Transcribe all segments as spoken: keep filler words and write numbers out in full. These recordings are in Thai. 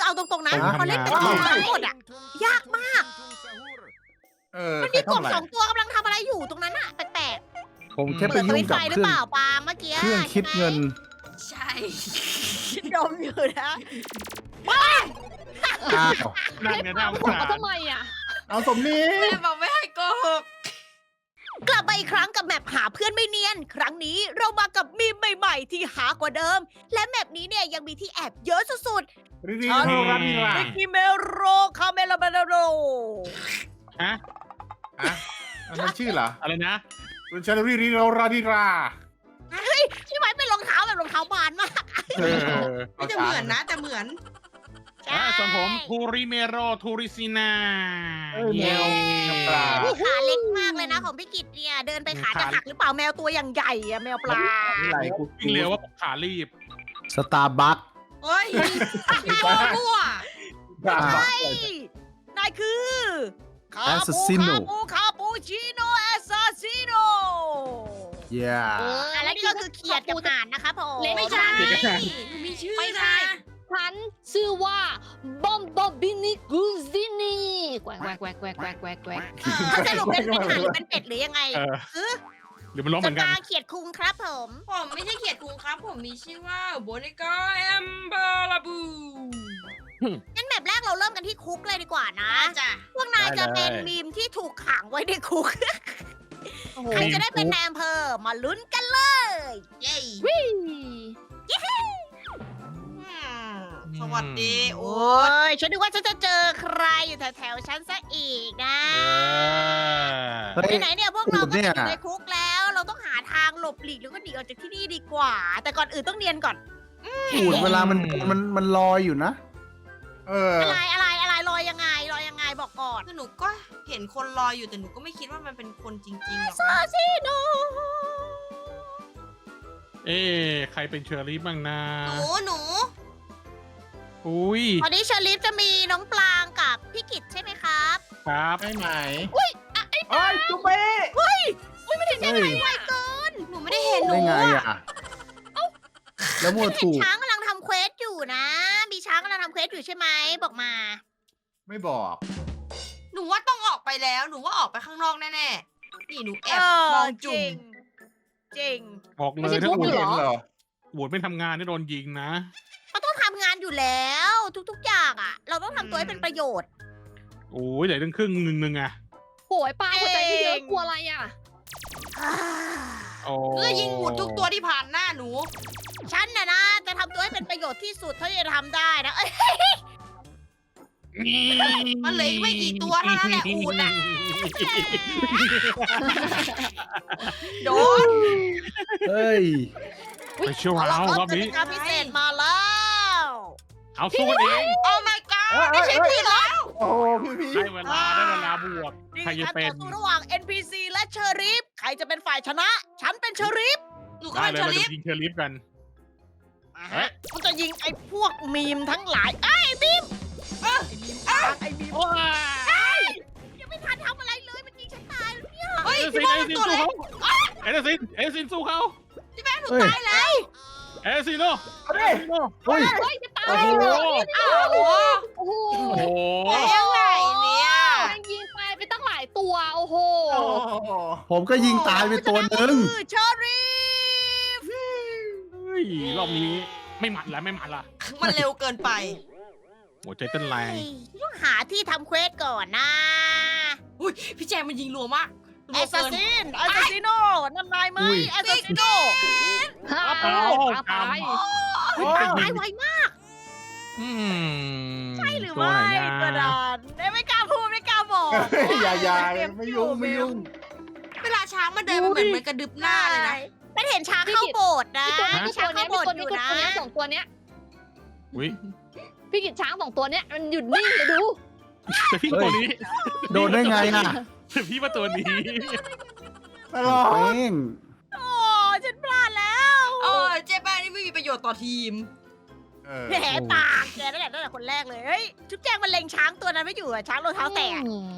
เอาตรงๆนะผมทำงานพอเล่นเป็นกบทั้งหมดอ่ะ ยากมากเออมันใครมีกบทำอะไรสองตัวกำลังทำอะไรอยู่ตรงนั้นอ่ะแปลกผมๆแค่ไปเปิดสยุ่วิงตช์ไฟกับหรืเคอรื่องเปล่าปาล์มเมื่อกี้เครื่องคิดเงินใช่ดมอยู่นะอ้าวนั่นไงน่าสงหัวสารเขาทำไมอ่ะเอาสมนี้แม่บอกไม่ให้โกหกกลับมาอีกครั้งกับแมปหาเพื่อนไม่เนียน ครั้งนี้เรามากับมีมใหม่ๆที่หากว่าเดิม และแมปนี้เนี่ยยังมีที่แอบเยอะสุดรีรีโรราดีราๆมิกกี้เมโรคาเมลาเบลโรฮะอะอันนั้นชื่อเหรออะไรนะคุณชาลีรีโรราดีราพี่ไม้เป็นรองเท้าแบบรองเท้าบานมากเออไม่จะเหมือนนะแต่เหมือนอ่ะส่วนผมทูริเมโรทูริซินาเอ้ยแมวกับปลานี่ขาเล็กมากเลยนะของพี่กิตเนี่ย เดินไปขาจะหักหรือเปล่าแมวตัวอย่างใหญ่อะแมวปลาไหลกูวิ่งเร็วว่าผมขารีบสตาร์บัคโอ้ยพี่โกมั่วปลาใช่นายคือคาปูคาปูคาปูชิโนเอสซาซิโนเย้อันนี้ก็คือเขียดกับห่านนะคะผมไม่ใช่หนูมีชื่อไม่นะใช่ ฉันชื่อว่าบอมบอบินิกูซินีแกวกแกวกแกวกแกวกแกวกแกวกแกวกเขาสรุปเป็นเป็นห่านหรือเป็นเป็ดหรือยังไงเออเออหรือมันร้องเหสมือนกันตาร์เขียดคุงครับผมผมไม่ใช่เขียดคุงครับ ผมมีชื่อว่าโบนิก้าแอมเบอร์ลาบูงั้นแบบแรกเราเริ่มกันที่คุกเลยดีกว่านะจ้ะพวกนายจะเป็นมีมที่ถูกขังไว้ในคุกโอ้โหใครจะได้เป็นนายอำเภอมาลุ้นกันเลยเย้วิ่สวัสดีโอ้โอ้ยฉันนึกว่าฉันจะเจอใครอยู่แถวๆฉันซะอีกนะเออไหนๆเนี่ยพวกเราก็ติดอยู่ในคุกแล้ว เราต้องหาทางหลบหลีกแล้วก็หนีออกจากที่นี่ดีกว่า แต่ก่อนอื่นต้องเนียนก่อนอูดเวลามันมันมันลอยอยู่นะเอออะไรอะไรอะไรลอยยังไงลอยยังไงบอกก่อนคือหนูก็เห็นคนรออยู่แต่หนูก็ไม่คิดว่ามันเป็นคนจริงๆหรอกซาซิโนเอ๊ะใครเป็นเชอรี่บ้างนะหนูหนูอุ้ยตอนนี้เชอริฟจะมีน้องปลางกับพี่กิตใช่ไหมครับครับใช่ไหมอุ้ยอ่ะไอ้โอ้ยจุ๊บเบ้อุ้ยไม่ได้ได้ไงเฮ้ยไวเกินหนูไม่ได้เห็นหนูได้ไงอะอ่ะ แล้วมัวเห็นถูกช้างกำลังทำเควสอยู่นะ มีช้างกำลังทำเควสอยู่ใช่ไหมบอกมาไม่บอกหนูว่าต้องออกไปแล้ว หนูว่าออกไปข้างนอกแน่ๆ นี่หนูแอบมองจุ่มจริงบอกเลไม่ยใช่ถ้าทุบโหวเหตรอเหรอโหวตไม่ทำงานนี่โดนยิงนะเขาต้องทำงานอยู่แล้ว ทุกๆอย่างอ่ะ เราต้องทำตัวให้เป็นประโยชน์โอ้ยเหลือตั้งครึ่งหนึ่งหนึ่งอะโหยปลาหัวใจที่เยอะกลัวอะไรอ่ะโอ้หนูจะยิงหมดทุกตัวที่ผ่านหน้าหนูฉันน่ะนะจะทำตัวให้เป็นประโยชน์ที่สุดเท่าที่จะทำได้นะเอ้ยมันเหลืออีกไม่กี่ตัวเท่านั้นแหละอูดอะ โดนเฮ้ยไปเชียวเอาเอาละรคอรับบ กนี้ติกาพิเศษมาแล้วเอาสู้กันเองโอ้ my god ไม่ใช่พี่เหรอโอ้โหพี่พี่ได้เวลาได้เวลาบวกนี่ใครคือจะการเป็ต่นอสู้ระหว่าง เอ็น พี ซี และเชอริฟใครจะเป็นฝ่ายชนะ ฉันเป็นเชอริฟหนูก็ได้เป็นเลยเชอเราริจะฟยิงเชอริฟกัน เอ๊ะกูจะยิงไอ้พวกมีมทั้งหลายไอ้ยบีมไอ้บีมไอ้บีมโอ้ยยังไม่ทันทำอะไรเลยมันยิงฉันตายแล้วเนี่ยเฮ้ยเอพี่ซินโมเอเป็ซินนตัวสู้เล็กเขาเอซินเอซินสู้เขาหนูเฮ้ยตายแล้วเอซินโนเอาดิเอซินโนเฮ้ยเฮ้ยจะตายโอ้โหอ้าวโอ้โอ้โหโอ้โหยังไงเนี่ยแม่งยิงตายไปตั้งหลายตัว โอ้โหโอ้โหผมก็ยิงตายไปตัวหนึ่งคือเชอริฟเฮ้ยรอบนี้ไม่หมัดแล้วไม่หมัดละมันเร็วเกินไปหัวใจเต้นแรงต้องหาที่ทำเควสก่อนนะอุ้ยพี่แจงมันยิงรัวมากแอสซัสซินแอสซัสซิโนนั่นนายไหมอุ้ยแอสซัสซิโนฮ่าเอาตายเอาตายไวมากอืมใช่หรือตัวไม่ไหนกระนะดานไม่กล้าพูดไม่กล้าบอกเฮ้ยอย่าอย่าไม่ยุ่งไม่ยุ่งเวลาช้างมันเดินมันเหมือนมันกระดึบหน้าเลยนะเป็นเห็นช้างเข้าโบสถ์นะพี่ตัวนี้คือช้าตังวเข้าเนี้ยโบพี่สถ์ตัวอนี้ยู่คือตัวเนี้ยสองตัวเนี้ยอุ้ยพี่กิจช้างสองตัวเนี้ยมันหยุดนิ่งเลยดูแต่พี่ตัวนี้โดนได้ไงอ่ะแต่พี่ว่าตัวนี้ตลอดเป้งโอ้ฉันพลาดแล้วเออเจ๊แป้งนี่ไม่มีประโยชน์ต่อทีมเออแผลปากแกนั่นแหละตั้งแต่คนแรกเลยเฮ้ยจุ๊บแจงมันเล็งช้างตัวนั้นไม่อยู่อะช้างรองเท้าแตกอืม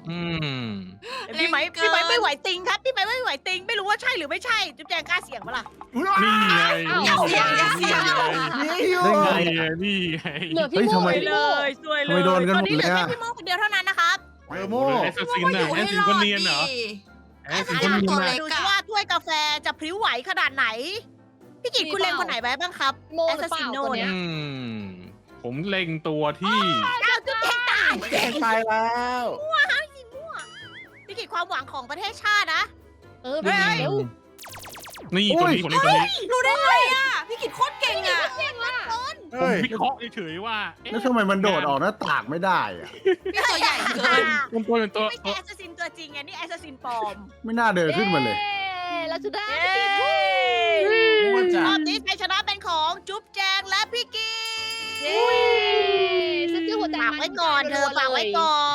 อืมพี่ไหมเล่นเกินพี่ไหมไม่ไหวติงครับพี่ไหมไม่ไหวติงไม่รู้ว่าใช่หรือไม่ใช่จุ๊บแจงกล้าเสี่ยงปะล่ะนี่ไงอ้าวนี่เสียงอย่าเสียงไงได้ไงนี่ไงนี่ไงเหลือพี่เฮ้ยโมทำไมพี่โม่สวยทำไมโดนกันหมดตอนนี้เหลือเลยแค่อะพี่โมคนเดียวเท่านั้นนะครับเออโม่แอสซัสซินน่ะแอสซัสซินคนเนียนเหรอแอสซัสซินคนเนียนตัวน่ะเล็กดูสิว่าถ้วยกาแฟจะพริ้วไหวขนาดไหน พี่กิตคุณเล็งคนไหนไว้บ้างครับโมหรือเปล่าตัวเนี้ยอืมผมเล็งตัวที่อ้าวจุ๊บแจงตายแกงตายแล้วพี่กิตความหวังของประเทศชาตินะเออพี่เร็วนี่ตัวนี้ผมเล็งตัวนี้รู้ได้ไงอ่ะ พี่กิดโคตรเก่งอ่ะเก่งอ่ะผมเฮ้ยวิเคราะห์เฉยๆว่าเอ๊ะแล้วทำไมมันโดดออกหน้าต่างไม่ได้อะพี่ตัวใหญ่เกินเป็นตัวเป็นตัวไม่ใช่แอสซัสซินตัวจริงไงนี่แอสซัสซินปลอมไม่น่าเดินขึ้นมาเลยเย้แล้วจะได้โม่รจ้ะอบนี้ชัยชนะเป็นของจุ๊บแจงและพี่กิตเย้ฉันซื้อหัวใจฝากไว้ก่อนเธอฝากไว้ก่อน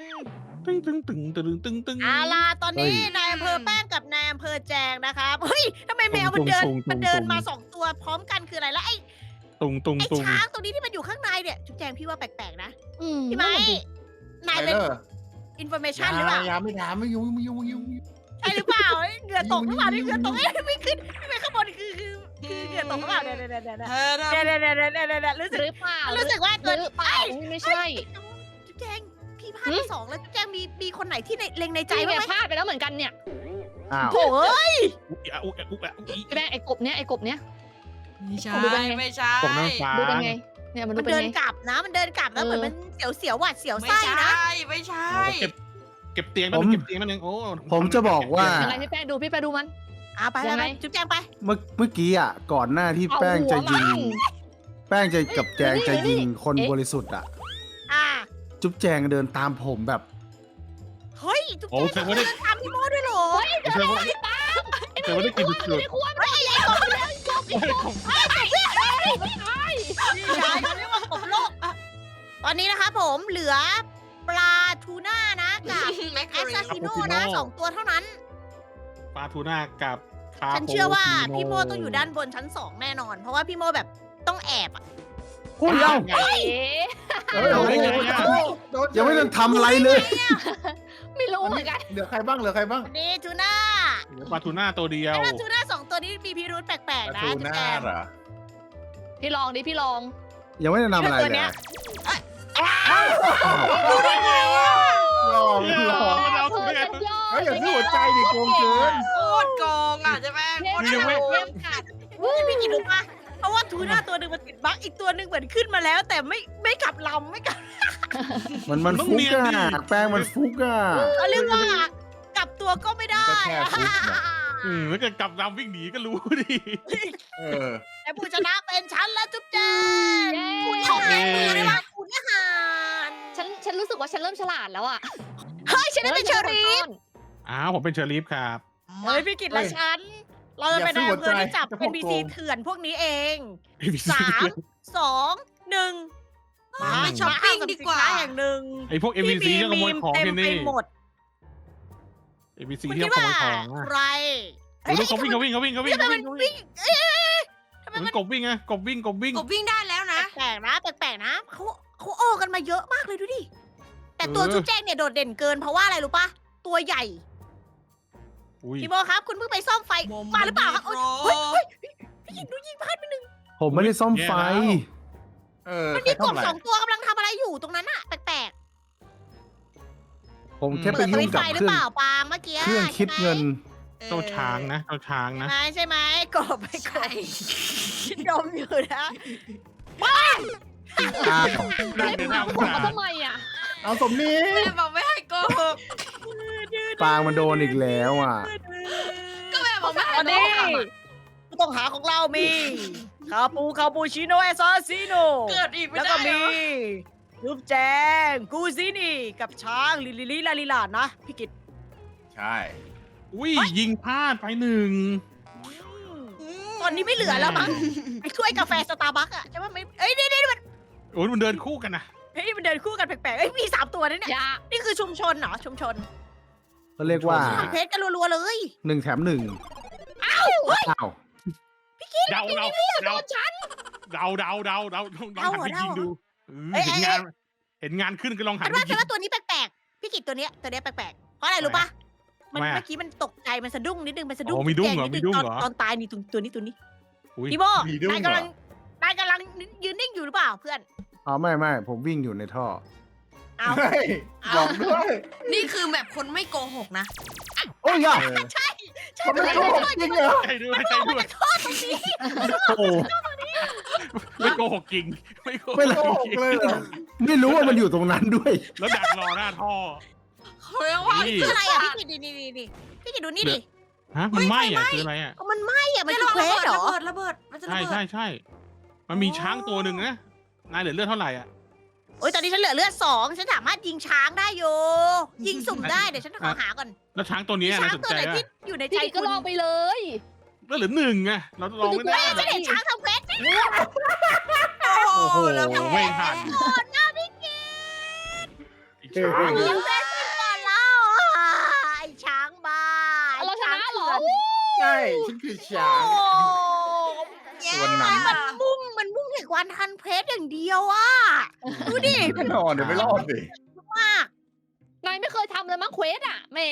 ตึงตึงตึงตึงตึงตึงเอาล่ะตอนนี้เฮ้ยนายอำเภอแป้งกับนายอำเภอแจงนะครับเฮ้ยทำไมแมวมันเดินตุงตุงตุงมันเดินตุงมาสองตัวพร้อมกันคืออะไรแล้วไอ้ตุงตุงไอ้ตุงช้างตัวนี้ที่มันอยู่ข้างในเนี่ยจุ๊บแจงพี่ว่าแปลกๆนะอืมพี่ไม้นายไปเป็นเลยอินโฟเมชันหรือเปล่าอย่าไม่ถามไม่ยุ่งไม่ยุ่งไม่ยุ่งใช่หรือเปล่าเอ้ยเหงื่อตกหรือเปล่านี่เหงื่อตกเอ้ยไม่ขึ้นไม่ขึ้นข้างบนคือคือคือเหงื่อตกหรือเปล่าเนี่ยเนี่ยเนี่ยเนี่ยเธอเนี่ยเนี่ยเนี่ยเนี่ยเนี่ยเนี่ยรู้สึกหรือเปล่ารู้สึกว่าหตัวรือเปล่าไม่ใช่จุ๊บแจงพี่พลาดไปสองแล้วจุ๊บแจงมีมีคนไหนที่ในเล็งในใจใจบ้างเนี่ยไหมพลาดไปแล้วเหมือนกันเนี่ยอ้าวโถ่เอ้ยอุ๊ยอะอุ๊ยอะอุ๊ยอะอุ๊ยพี่แม่ไอ้กบเนี้ยไอ้กบเนี้ยไม่ใช่ดูเป็นไงไม่ใช่ตกน้ำฟ้าดูเป็นไงเนี่ยมันดูมันเป็นเดินไงกลับนะ มันเดินกลับแล้วเออเหมือนมันเสียวเสียวๆหวาดเสียวไม่ไส้ใช่นะไม่ใช่เอาเก็บเก็บเตียงนั่นงเก็บเตียงนั่นนึงโอ้ผมจะบอกว่ายังไงพี่แป้งดูพี่แป้งดูมันอ่ะไปไปยังไปไงจุ๊บแจงไปเมื่อเมื่อกี้อ่ะก่อนหน้าที่แป้งจะยิง แป้งจะกับแจงจะยิงคนบริสุทธิ์อ่ะอ่ะจุ๊บแจงเดินตามผมแบบเฮ้ย จุ๊บโอ้แจงแสดงว่าได้เดินตามพี่โมด้วยเหรอแสดงว่าแสดงว่าได้กินสุดไม่ได้ควรเฮ้ยไอ้กบเลยๆโอ้ยผมพี่ชายเขาเรียกว่ากบโลกตอนนี้นะคะผมเหลือปลาทูน่านะกับแม็กแอกาสรีซาซิโน่นะสองตัวเท่านั้นปลาทูน่ากับคาฉันเชื่อว่าโปพี่โมต้องอยู่ด้านบนชั้นสองแน่นอน เพราะว่าพี่โมแบบต้องแอบอะโอ้ยเอ้าเอ๊ะเฮ้ยเอาได้ไงโดนยังไม่ทันทำอะไรเลยไม่รู้เหมือนกันเหลือใครบ้างเหลือใครบ้างวันนี้ทูน่าเหลือปลาทูน่าตัวเดียวไอ้ทูน่าสองตัวนี้มีพิรุธแปลกๆนะตูจุ๊บน่าแจงเหรอพี่ลองดิพี่ลองยังไม่ได้ทำอะไรตัวเลเนี้ยยรู้ได้ไงอ่ะหลอกหลอกเอาเธอเนี่ยฉันยอมเฮ้ยอย่าซื้อหัวใจดิโกงเกินโคตรโกงอ่ะใช่ไหมโคตรเยี่ยมโกเยี่ยงมกัดพี่กินรู้ปะเพราะว่าทูน่าตัวหนึ่งมันติดบั๊กอีกตัวหนึ่งเหมือนขึ้นมาแล้ว แต่ไม่ไม่กลับลำไม่กลับมันมันฟุกอ่ะแป้งมันฟุกอ่ะเขาเรียกว่ากลับตัวก็ไม่ได้ก็แค่ฟุกน่ะอืมแล้วเกิดกลับดำวิ่งหนีก็รู้ดิเออแต่ผู้ชนะเป็นฉันและจุ๊บแจงเย้คุณของแม่มือได้ปะคุณอาหารฉันฉันรู้สึกว่าฉันเริ่มฉลาดแล้วอ่ะเฮ้ยฉันได้เป็นเชอรี่อ้าวผมเป็นเชอรีฟครับเฮ้ยพี่กิตและฉัน เราจะเป็นนายอำเภอที่จับเป็นบีซีเถื่อนพวกนี้เอง สาม สองหนึ่งไปช้อปปิ้งดีกว่ามห้งสรรพสินค้แห่งหนึ่งไอพวก เอ็ม วี ซี ที่ขโมยของเต็มที่ไปนี่หมดเอ็ม วี ซีคุณที่คิดขโมว่ายของอะใครโอ้ยเขาวิ่งเขาวิ่งเขาวิ่งเขาวิ่งทำไมเขามันวิ่งวิ่งเอ๊ะทำไมมัมันนกบวิ่งไงกบวิ่งกบวิ่งกบวิ่งได้แล้วนะแปลกๆนะแปลกๆนะเขาเขาโอกันมาเยอะมากเลยดูดิ แต่ตัวเออจุ๊บแจงเนี่ยโดดเด่นเกินเพราะว่าอะไรรู้ปะตัวใหญ่อุ้ยพี่โบครับ คุณเพิ่งไปซ่อมไฟมาหรือเปล่าครับโอ๊ยเฮ้ยเฮ้ยพี่ยิงดูยิงพลาดไปหนึ่งผมไม่ได้ซ่อมไฟเออมันใครมีกบทำอะไรสองตัวกำลังทำอะไรอยู่ตรงนั้นอะแปลกผมๆแค่ไปเปิดสยุ่วิงตช์กับไฟหเครือรื่องเปล่าปาล์มเมื่อกี้เครื่องคิดเงินเจ้าช้างนะเจ้าช้างนะใช่ไหมใช่ไหมกบไปกใช่บคิดดมอยู่นะอ้าวนั่นเล่นเดี๋ยวหน่านังสงผมสารมาทำไมอ่ะเอาสมนี้แม่บอกไม่ให้โกหกปางมันโดนอีกแล้วอ่ะก็แม่บอกไม่ให้ตอนโกนี้หกผู้ต้องหาของเรามีคาปูคาปูชิโนเอซาซิโนเกิดอีกไม่แล้วได้ก็เหรมีอรูปแจงกูซินี่กับช้างลิลิลิลาลิลานะพี่กิตใช่อุ้ยยิงพลาดไปหนึ่งตอนนี้ไม่เหลือแล้วมั้งไอ้ถ้วยกาแฟสตาร์บัคอะใช่ไหมไม่เอ้ยนี่นี่มันโอ้ยมันเดินคู่กันนะเฮ้ยมันเดินคู่กันแปลกๆเอ้ยมีสามตัวนะเนี่ยอย่านี่คือชุมชนเหรอชุมชนก็เรียกว่าทำเพชรกันรัวๆเลยหนึ่งแถมหนึ่งอ้าวเดาเดาเดาเดาเดาเดาเดาลองหันไปยิงดูเออเห็นงาน เห็นงานขึ้นก็ลองหัฉันนไปว่ายิฉันงว่าตัวนี้แปลกๆพี่กิจตัวเนี้ยตัวเนี้ยแปลกๆเพราะอะไรรู้ปะมันทำไมอะเมื่อกี้มันตกใจมันสะดุ้งนิดนึงมันสะดุ้งอ๋อมีดุ้งเหรอแกนิมีดุ้งตอนเหรอตอนตายนี่ตัวตัวนี้ตัวนี้อุ๊ยพี่โบมีดุ้งนายเหรอกำลังนายกำลังยืนนิ่งอยู่หรือเปล่าเพื่อนอ๋อไม่ไม่ผมวิ่งอยู่ในท่อเอาเฮ้ยบอกด้วยนี่คือแบบคนไม่โกหกนะโอ้ยยะเออใช่ใช่เขาไม่โกหกจริงเหรอใช่ด้วยมันใช่ออกมาด้วยจากท่อตรงนี้โอ้ไม่โกหกจริงไม่โกหไม่กเลยโกหกเลยเหรอไม่รู้ว่ามันอยู่ตรงนั้นด้วยแล้วดักรอหน้าท่อเขาเรียกว่านี่คืออะไรอ่ะพี่กิจนี่นี่นี่นี่พี่กิจดูนี่ดิฮะมันไหม้อะคืออะไรอะมันไหม้อ่ะมันไม่คืลอองเควระสเบิดเหรระอเบิดระเบิดมันจะระใช่เบิดใช่ใช่มันมีช้างตัวหนึ่งนะนายเหลือเลือดเท่าไหร่อ่ะโอ้ยตอนนี้ฉันเหลือเลือดสองฉันสามารถยิงช้างได้อยู่ยิงสุ่มได้เดี๋ยวฉันขอหาก่อนแล้วช้างตัวมีนี้ช้าน่าง สนตัวใจไหนอะที่อยู่ในใจพี่กิจก็คุณลองไปเลยเลือดเหลือหนึ่งไงเราลองไม่ได้ฉันเห็นช้างทำเควสโอ้โอ้โหแล้วแพ้ไม่ทันก่อนนะพี่กิจอีกช้างยิงเควสก่อนแล้วอ่ะไอ้ช้างบ้าเอาเราชนะเหรอใช่ฉันคือช้างโอ้ส่วนนั้นมันมุ่งมันมุ่งถึงวันทันเพสอย่างเดียวอ่ะดูดิแน่นอนเดี๋ยวไม่รอดสิมากนายไม่เคยทำเลยมั้งเควสอ่ะแหม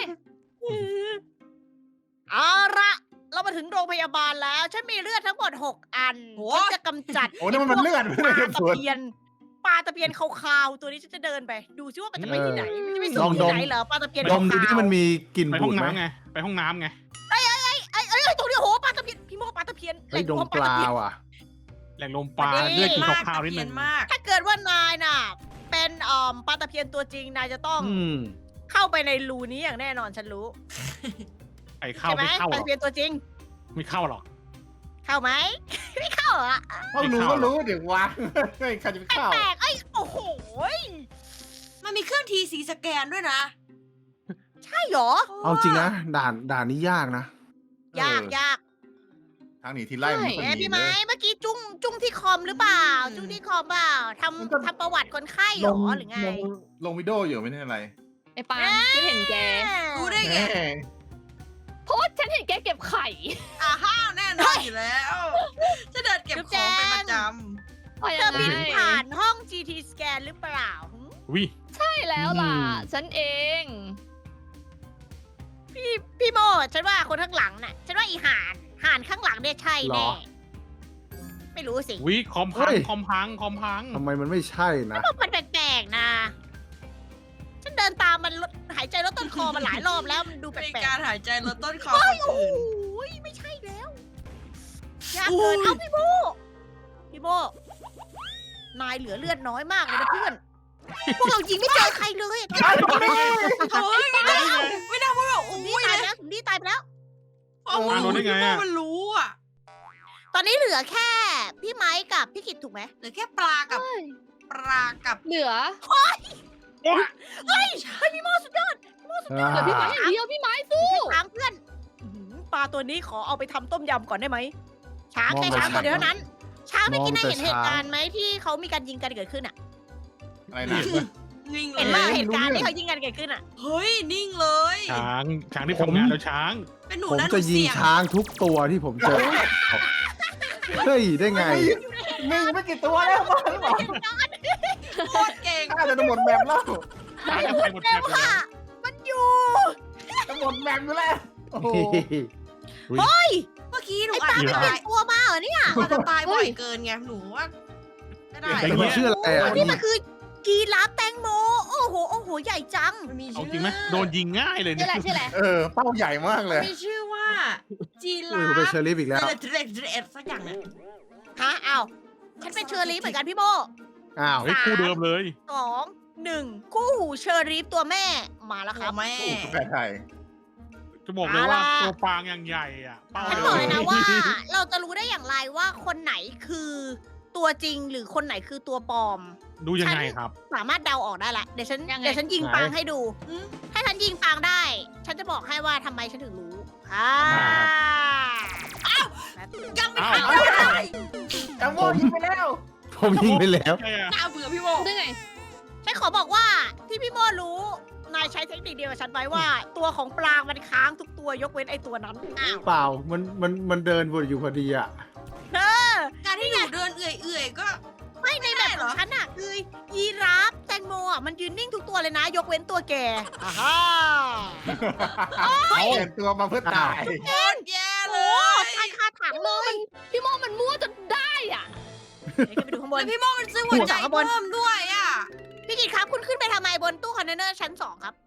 เอาละเรามาถึงโรงพยาบาลแล้ว ฉันมีเลือดทั้งหมดหกอันโอ้ฉันจะกำจัดโอ้นี่มันเลือดไม่ปได้ลากระตะสุนเพียนปลาตะเพียนขาวๆตัวนี้ฉันจะเดินไป ดูซิว่ามันจะไปที่ไหนมันจะไปลสู่องดที่มไหนเหรอปลาตะเพียนดมดูที่มันมีกลิ่นไปห้บูองดไหมน้ำไงไปห้องน้ำไงไอ้ไอ้ไอ้ไอ้ตรงนี้โอ้โหปลาตะเพียนพี่โมปลาตะเพียนไอ้ยดมแหล่งรวปลาตะเพียนว่ะแหล่งลมปลาเลือดกินมากข้าวๆนิดเพีนึยนงมากถ้าเกิดว่านายน่ะ เป็นอ่อมปลาตะเพียนตัวจริงนายจะต้องอืมเข้าไปในรูนี้อย่างแน่นอนฉันรู้ไอ้เข้าใช่ไหมไม่เข้าปหลารอกตะเพียนตัวจริงไม่เข้าหรอกเข้าไหม ไม่เข้าเหรอเขารู้ก็รู้เดี๋ยววางเฮ้ยใครจะไปเข้าแปลกๆไอ้ยโอ้โหยมันมีเครื่องทีสีสแกนด้วยนะใช่เหรอเอาจริงนะด่านด่านนี้ยากนะยากยากทางหนีทีไล่มันไม่ค่อยเอ๊ะมีพี่เลไม้ยเมื่อกี้จุ้งจุ้งที่คอมหรือเปล่าอืมจุ้งที่คอมเปล่าทมันก็ำทำประวัติคนไข้เหรลอง หรือไงลงลงวิดีโออยู่ไม่ใช่อะไรไอ้ปางฉันเห็นแกรู้ได้แหไงมเพราะว่าฉันเห็นแกเก็บไข่อ่าห้าวแน่นอนอยู่แล้วจะเดินเก็บของเป็นประจว่าเธยัองไงบินผ่านห้อง จี ที scan หรือเปล่าหึวิใช่แล้วล่ะอืมฉันเองพี่พี่โมฉันว่าคนข้างหลังน่ะ ฉันว่าอีห่านห่านข้างหลังเนี่ยใช่หรแน่อไม่รู้สิวิคอมพังเฮ้ยคอมพังคอมพังทำไมมันไม่ใช่นะเพราะมันแปลกๆนะ ฉันเดินตามมันลดหายใจลดต้นคอมาหลายรอบแล้วมันดูำแปมีลกาก รหายใจลดต้นคอๆคเฮ้ยนโอ้อื่นยไม่ใช่แล้วยากเกินเอาพี่โมพี่โมนายเหลือเลือดน้อยมากเลยนะเพื่อน พวกเรายิงไม่เจอใครเลยเฮ้ยไม่ได้ไม่ได้เพราะแบบสมอุ้ดียตายเลยไปแล้วสมดีตายไปแล้วเอามันรู้ที่ว่ามันรู้อ่ะตอนนี้เหลือแค่ พี่ไม้กับพี่กิตถูกไหมเหลือแค่ปลากับเฮ้ยปลากับเหลือเฮ้ยเฮ้ยพี่โมสุดยอดเหลือพี่ไม้อย่างเดียวพี่ไม้สู้ช้างเพื่อนอื้อหือปลาตัวนี้ขอเอาไปทำต้มยำก่อนได้ไหมช้างมองแค่แต่ช้างตัวเดียวช้างเท่านั้น ช้างไม่กินมองได้แต่เห็นเหตุช้างการณ์ไหมที่เขามีการยิงกันเกิดขึ้นอ่ะอะไรนะนิ่งเลเห็นยว่าไม่รู้เหตุการณ์เรื่องที่เขายิงกันเกิดขึ้นอ่ะเฮ้ยนิ่งเลยช้างช้างที่ทำงานแล้วช้างเป็นหนูผมนะหนูจะยิงเสี่ยงช้างทุกตัวที่ผมเจอ เฮ้ย ได้ไงมีไม่กี่ตัวแล้วบ้าหรือเปล่าโคตรเก่งน่าจะหมดแบบแล้วช้างจะไปหมดแบแต่บเลยว่านะมันอยู่จะหมดแบบอยู่แล้วโอ้โหเฮ้ยเมื่อกี้หนูไอ้อาปลาจมันจะเปลี่ยนตัวมาเหรอเนี่ยอาจจะตายบ่อยเกินไงหนูว่าไม่ได้แต่มันชื่ออะไรอ่ะนี่มันคือกีราฟแตงโม โอ้โห โอ้โห ใหญ่จังมันมีเอาชื่อจริงไหมโดนยิงง่ายเลยชื่เนี่อย อะไรชื่ออะไรเออเป้าใหญ่มากเลยมีชื่อว่าจีอุ้รายผมเป็นฟเชอรี่อีกแล้วเดรดเดรดสักอย่างเนี่ยฮะอ้าวฉันเป็นเชอรี่เหมือนกันพี่โบอ้าวเฮ้ยคู่เดิมเลยสองหนึ่งคู่หูเชอรี่ตัวแม่มาแล้วคตัรัวบแม่แปลไทยจะบอกเลยว่าเอาล่ะตัวปางอย่างใหญ่อะเป้าฉันบอกเลยนะว่า เราจะรู้ได้อย่างไรว่าคนไหนคือตัวจริงหรือคนไหนคือตัวปลอมดูยังไงครับสามารถเดาออกได้ละเดี๋ยวฉันยังไงเดี๋ยวฉันยิงไหนปางให้ดูอืมถ้าฉันยิงปางได้ ฉันจะบอกให้ว่าทำไมฉันถึงรู้อ่าครับยังไม่อ้าวทันได้จังโว้ยิงไปแล้วผมยิงไปแล้วใช่อะน่าเบื่อพี่โมได้ไงฉันขอบอกว่าที่พี่โมรู้ นายใช้เทคนิคเดียวกับฉันไว้ว่า ตัวของปลางมันค้างทุกตัวยกเว้นไอ้ตัวนั้น อ้าวเปล่า มัน มัน มันเดินวนอยู่พอดีอ่ะเออการที่หนูเดินเอื่อยๆก็ไม่ในแบบของฉันอะคือยีราฟแตงโมอะอ่ะมันยืนนิ่งทุกตัวเลยนะ ยกเว้นตัวแกอ่าฮะเปลี่ยนตัวมาเพื่อตายโคตรแย่เลโอ้ยตายคาถังเลยพี่โมมันมั่วจนได้อ่ะเดี๋ยวขึ้นไปดูข้างบนแล้วพี่โมมันซื้อหัวใจเพิ่มด้วยอ่ะพี่กิตครับคุณขึ้นไปทำไมบนตู้คอนเทนเนอร์ชั้นสองครับ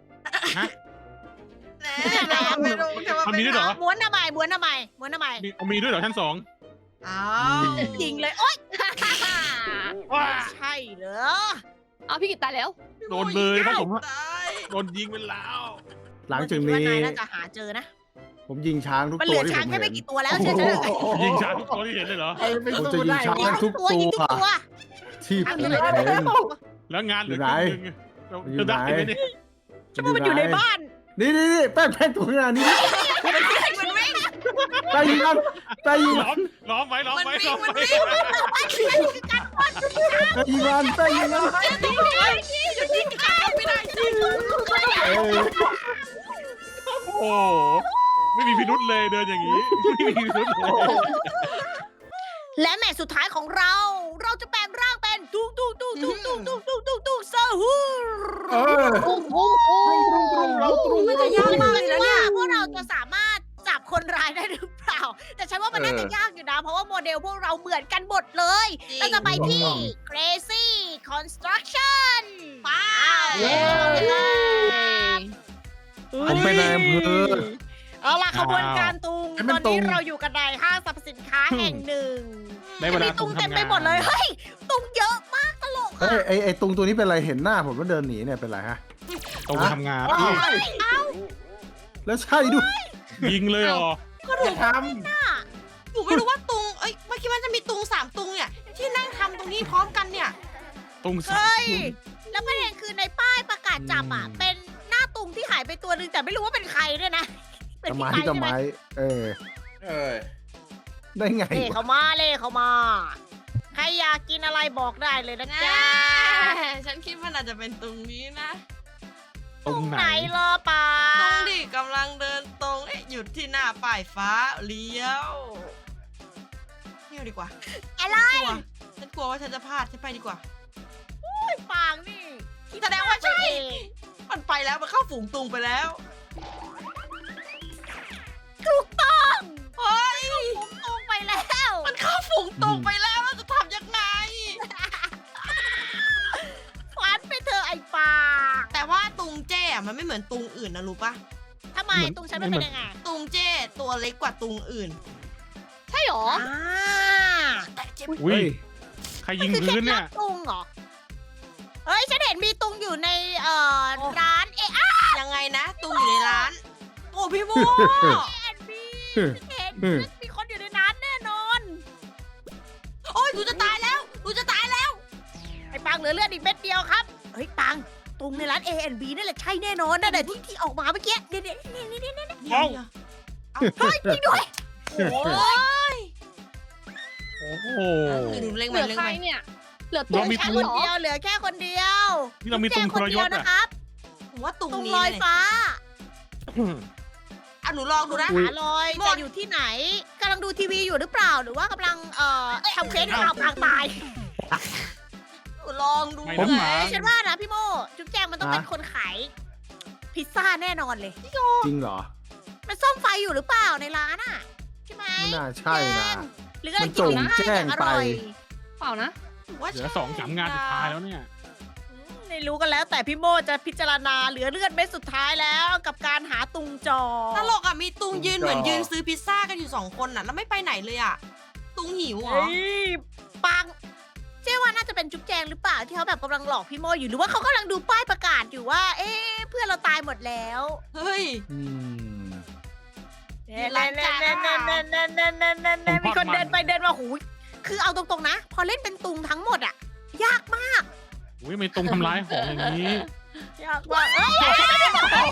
แหน่ไม่รู้จะว่ามันเป็มีนด้วยเหรอม้วนทำไมม้วนทำไมม้วนทำไมมีมีด้วยเหรอชั้นสองอ้าวยิงเลยโอ๊ยว้าใช่เหรอเอาพี่กิตตายแล้วโดนเลยเพราะผมตายโดนยิงไปแล้วหลังจากคิดว่านี้นายน่าจะหาเจอนะผมยิงช้างทุกมันเหตัลืวอที่ผช้างมแค่เห็ไม่นกี่ตัวแล้วเชื่อฉันเถอะยิงช้างทุกตัวที่เห็นเลยเหรอไอ้เป็นผมสู้จะยิงได้ช้างยิงทุกตัวยิงทุกตัวที่ผมอยู่ไหนเห็นแล้วงานเหลืออยู่คไหนรึ่งหนึงเราจะได้ไหมเนี่ยฉันว่ามันอยู่ในบ้านนี่นี่นี่แป้งแป้งตัวงานนี้มันวิ่งแป้งยิงกันแป้งยิงล้อมล้อมไว้ล้อมมันไว้วิ่ล้อง มมันไว้วิ่งแป้งยิงกันแป้งยิงกันไม่ได้จริงเอ้ยโอ้โหไม่มีพิรุษเลยเดินอย่างนี้ไม่มีพิรุษเลยและแมตช์สุดท้ายของเรา เราจะแปลงร่างเป็นตุ้งตุ้งตุ้งตุ้งตุ้งตุ้งตุ้งตุ้งตุ้งซาฮูเออโอ้โหโอ้ตรงตรงเราตรงมันจะยากมากเลยนะเนี่ยพวกเราจะสามารถจับคนร้ายได้หรือเปล่า แต่ฉันว่ามันน่าจะยากอยู่นะ เพราะว่าโมเดลพวกเราเหมือนกันหมดเลย เราจะไปที่ Crazy Construction ไปเย้ผมเป็นนายอำเภอเอาล่ะขบวนการตุงให้ตมัอนนตุนี้งเราอยู่กันในห้างสรรพสินค้าแห่งหนึ่งได้เวลามีตุงเต็มไปหมดเลย เฮ้ย ตุงเยอะมากตลกเฮ้ยไอไอตุงตัวนี้เป็นไรเห็นหน้าผมแล้วเดินหนีเนี่ยเป็นไรฮะตรงทำงานอ้าวเอ้าแล้วใช่ด้วยยิงเลยเหรอก็ถูจะกทหนูไม่รู้ว่าตุง เอ้ยเมื่อกี้มันจะมีตุงสามตุงเนี่ย ที่นั่งทำตรงนี้พร้อมกันเนี่ยตรงสาเฮ้ยมแล้วประเด็นคือในป้ายประกาศจับอ่ะ เป็นหน้าตุงที่หายไปตัวหนึงแต่ไม่รู้ว่าเป็นใครด้วยนะ เป็นทำไมพี่ไม้ทำไมใช่ไหมเออำเออได้ไงเล่วะเขามาเล่เขามา ใครอยากกินอะไรบอกได้เลยนะจ๊ะฉันคิดว่าน่าจะเป็นตรงนี้นะตรงไหนไหนรอป่าตรงดิกำลังเดินตรง เอ๊ะหยุดที่หน้าป้ายฟ้าเลี้ยวเลี้ยวดีกว่าอะไรกลัวฉันกลัวว่าฉันจะพลาดฉันไปดีกว่าปางนี่แสดงว่าใช่คิดไปเองมันไปแล้วมันเข้าฝูงตุงไปแล้วถูกต้องเฮ้ยผมตุงไปแล้วมันเข้าฝูงตุงไปแล้วเราจะทำยังไงฟันไปเธอะไอ้ปางแต่ว่าตุงเจ้อะมันไม่เหมือนตุงอื่นนะรู้ปะทำไมตุงฉันมันเป็นยังไงตุงเจ้ตัวเล็กกว่าตุงอื่นใช่หรออ่าแต่เจ็บอุ้ยใครยิงคือเคล็พื้ดนลัเนี่บยตุงเหรอ เฮ้ย ฉันเห็นมีตุงอยู่ในเอ่อร้านเอยังไงนะ ตุงอยู่ในร้าน โอ้พี่โมแอนบีเห็นมีคนอยู่ในร้านแน่นอนโอ้ยหนูจะตายแล้วหนูจะตายแล้วไอ้ปังเหลือเลือดอีกเม็ดเดียวครับ เฮ้ยปังตุงในร้าน เอ แอนด์ บี นั่นแหละใช่แน่นอนนั่นแหละที่ที่ออกมาเมื่อกี้เดี๋ยวเดี๋ยวนี่นี่นี่นี่เอ้าเฮ้ยจริงด้วยโอ้ยโอ้โหหนูเล็งเหไปลือเล็งใครไปเนี่ย เหลือเราตัวมีฉัแค่นคนเหรอเดียวเหลือแค่คนเดียวนี่เรามีตรงแค่ทคนรยเดียวศนะอ่ะครับผมว่าตุงตุงนี้ลอยเลยฟ้าอ่ะหนูลองดูนะหาลอยหมดจะอยู่ที่ไหนกำลังดูทีวีอยู่หรือเปล่าหรือว่ากำลังเอ่อทำเคสให้เราพังตายหนูลองดูไม่ผมน้ำหมาฉันว่านะพี่โมจุ๊บแจงมันต้องเป็นคนขายพิซซ่าแน่นอนเลยจริงเหรอมันซ่อมไฟอยู่หรือเปล่าในร้านอ่ะใช่ไหมไม่น่าใช่นะหรือกำลังมันจงกินพิซซ่าแจ้งอย่างอร่อยไปเปล่านะหนูว่าเหลือสองสามงานสุดท้ายแล้วเนี่ยอืมไม่รู้กันแล้วแต่พี่โมจะพิจารณาเหลือเลือดเม็ดสุดท้ายแล้วกับการหาตุงจอตลกอ่ะมีตุงยืนตุงจอเหมือนยืนซื้อพิซซ่ากันอยู่สองคนน่ะแล้วไม่ไปไหนเลยอ่ะ ตุงหิวเหรอเฮ้ยปังเจ๊ว่าน่าจะเป็นจุ๊บแจงหรือเปล่าที่เขาแบบกำลังหลอกพี่โมอยู่หรือว่าเขากำลังดูป้ายประกาศอยู่ว่า เอ๊ะเพื่อนเราตายหมดแล้วเฮ้ยอืมมีร้านจ้ามีคนเดินไปเดินมาหูยคือเอาตรงๆนะ พอเล่นเป็นตุงทั้งหมดอะยากมากอุ้ยไม่ตรงทำร้ายของอย่างนี้ยากมากเอ้ย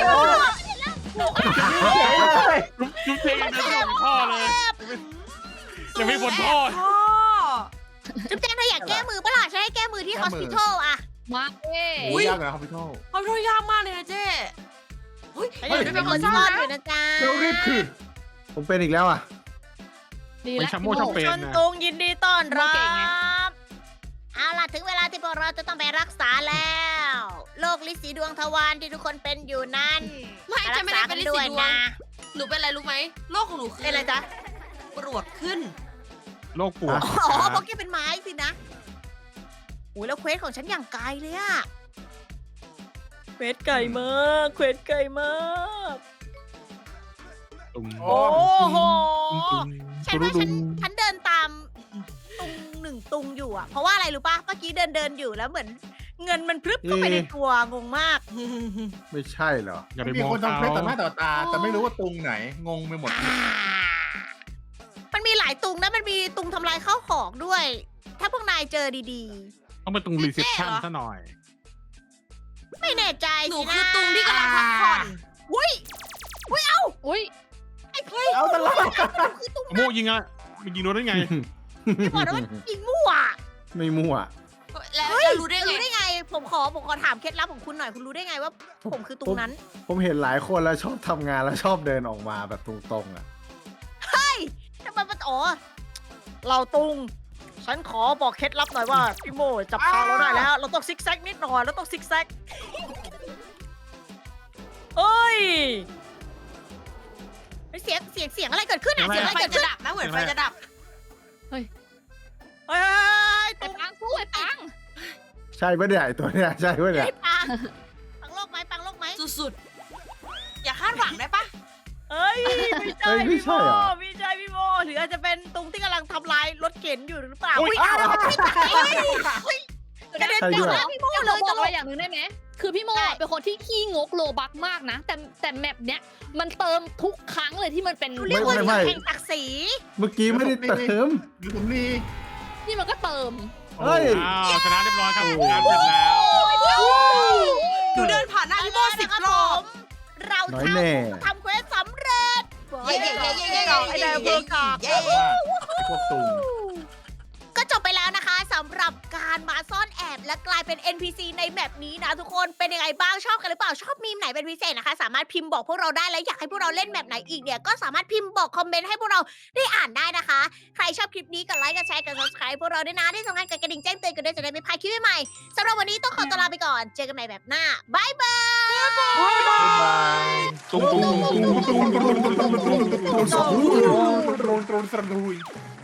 จุ๊บเจยังเดินไม่ถึงท่อเลยยังไม่พ้นท่อพ่อจุ๊บแจงเธออยากแก้มือปะล่ะฉันให้แก้มือที่แก้ฮอสมือพิทอลอะมาเอ้โอ้ยยากเลยครับพี่โทษเขาช่วยยากมากเลยนะเจ๊เฮ้ยฉันอยากเป็นคนซ่อนอยู่นะจ๊ะเร็วรีบคือผมเป็นอีกแล้วอ่ะดีไปแล้วชัมโมพี่ชอบโมเป็นชนนะตุงยินดีต้อนรัโมเก่งไงบเอาล่ะถึงเวลาที่พวกเราจะต้องไปรักษาแล้วโรคลินสีดวงทวารที่ทุกคนเป็นอยู่นั้นไม่ฉันไม่ได้เป็นลินสีดวงนะหนูเป็นอะไรรู้ไหมโรคของหนูคือเป็นอะไรจ๊ะปวดขึ้นโลกปวดอ๋อเพราะแกเป็นไม้สินะอุ้ยแล้วเควสของฉันอย่างไกลเลยอะเควสไกลมากเควสไกลมากตุ่มโอ้โอ้โหตุ่มฉันว่าฉันฉันเดินตามตุงหนึ่งตุงอยู่อะเพราะว่าอะไรรู้ป่ะเมื่อกี้เดินเดินอยู่แล้วเหมือน เงินมันพรึบเข้าไปในตัวงงมากไม่ใช่เหรออย่าไปมีมองคนทำเขาเพชรต่อหน้าต่อตา แต่ไม่รู้ว่าตรงไหน งงไปหมดมันมีหลายตุงนะมันมีตุงทำลายข้าวของด้วย ถ้าพวกนายเจอดีต้องไปตรงรีเซพชันแน่เหรอซะหน่อยๆ ไม่แน่ใจหนูสินะคือตุงที่กำลังพักผ่อนอุ้ยอุ้ยเอ้าอุ้ยไอ้เฮ้ยเอาตลอดคือตุงโมยิงอะมันยิงโดนได้ไงที่บอกนะว่ายิงมั่วไม่มั่วแล้วเฮ้ยแล้วรู้ได้ไงรู้ได้ไง ผมขอผมขอถามเคล็ดลับของคุณหน่อยคุณรู้ได้ไงว่า ผมคือตุงนั้นผมเห็นหลายคนแล้วชอบทำงานแล้วชอบเดินออกมาแบบตรงๆอ่ะทำไมมันอ๋อเราตุง ฉันขอบอกเคล็ดลับหน่อยว่าพี่โมจับทางเราได้แล้ว เราต้องซิกแซกนิดหน่อยเราต้องซิกแซกเอ้ยเสียงเสียงเสียงอะไรเกิดขึ้นอ่ะอะไรเสียงอะไรไฟเกิดจะขึ้นดับนะเหมือนไฟจะดับเฮ้ยเฮ้ยไอ้ตุงปังสู้ไอ้ปังใช่ปะเนี่ยไอ้ตัวเนี้ยใช่ปะเนี่ยไอ้ปังปังโลกไหมปังโลกไหมสุดๆ อย่าคาดหวังได้ปะเอ้ยไม่ใช่เอ้ยไม่พี่โมใช่เหรอไม่ใช่พี่โมหรืออาจจะเป็นตุงที่กำลังทำลายรถเข็นอยู่หรือเปล่าอุ๊ยอุ้ยอ้าวไม่ตายเฮ้ยกระเด็นใช่เจด้อวยหน้าพี่โมเดี๋ยวเลเรายบตอกลอะไรกอย่างหนึ่งได้ไหมคือพี่โมอะเป็นคนที่ขี้งกโลบักมากนะ แต่แต่แมปเนี้ยมันเติมทุกครั้งเลยที่มันเป็นเรียกว่าแข่งศักดิ์ศรีเมื่อกี้ไม่ได้เติมหรือผมนี่นี่มันก็เติมเฮ้ยอ้าวชนะเรียบร้อยครับงานเสร็จแล้วหนูเดินผ่านหน้าพี่โมสิบรอบเราน้อยแน่ทำเควสสำเร็จเย้เย้เย้เย้เย้ไอ้นายอำเภอกากเย้พวกตุงก็จบไปแล้วนะคะสำหรับการมาซ่อนแอบและกลายเป็น เอ็น พี ซี ในแมปนี้นะทุกคนเป็นยังไงบ้างชอบกันหรือเปล่าชอบมีมไหนเป็นพิเศษนะคะ สามารถพิมพ์บอกพวกเราได้และอยากให้พวกเราเล่นแมปไหนอีกเนี่ยก็สามารถพิมพ์บอกคอมเมนต์ให้พวกเราได้อ่านได้นะคะ ใครชอบคลิปนี้กดไลค์กดแชร์กด subscribe พวกเราด้วยนะที่สำคัญกดกระดิ่งแจ้งเตือนกันด้วยจะได้ไม่พลาดคลิปใหม่ๆสำหรับวันนี้ต้องขอตัวลาไปก่อนเจอกันใหม่แบบหน้าบายบายบ๊ายบายตุ้งตุ้งตุ้งตุ้งตุ้งตุ้งตุ้งตุ้งตุ้งตุ้งตุ้งโดนโดนโดนโดนโดน